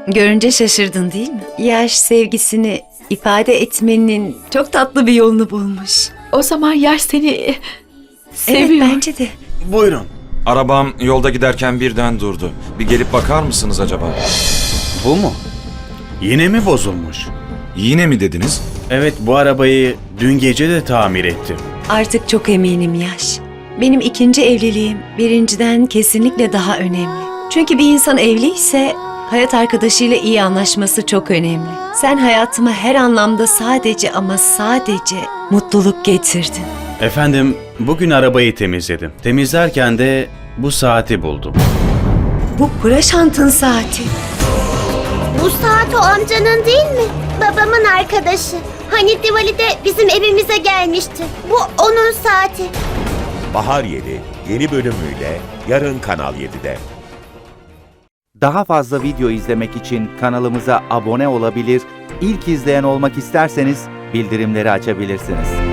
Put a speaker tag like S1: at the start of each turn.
S1: Görünce şaşırdın değil mi? Yaş sevgisini ifade etmenin çok tatlı bir yolunu bulmuş.
S2: O zaman Yaş seni
S1: Evet,
S2: seviyor.
S1: bence de.
S3: Buyurun.
S4: Arabam yolda giderken birden durdu. Bir gelip bakar mısınız acaba?
S3: Bu mu? Yine mi bozulmuş?
S4: Yine mi dediniz?
S3: Evet, bu arabayı dün gece de tamir ettim.
S1: Artık çok eminim Yaş. Benim ikinci evliliğim birinciden kesinlikle daha önemli. Çünkü bir insan evliyse hayat arkadaşıyla iyi anlaşması çok önemli. Sen hayatıma her anlamda sadece ama sadece mutluluk getirdin.
S3: Efendim, bugün arabayı temizledim. Temizlerken de bu saati buldum.
S1: Bu Praşant'ın saati.
S5: Bu saat o amcanın değil mi? Babamın arkadaşı. Hani Diwali'de bizim evimize gelmişti. Bu onun saati.
S6: Bahar Yeli yeni bölümüyle yarın Kanal 7'de.
S7: Daha fazla video izlemek için kanalımıza abone olabilir, ilk izleyen olmak isterseniz bildirimleri açabilirsiniz.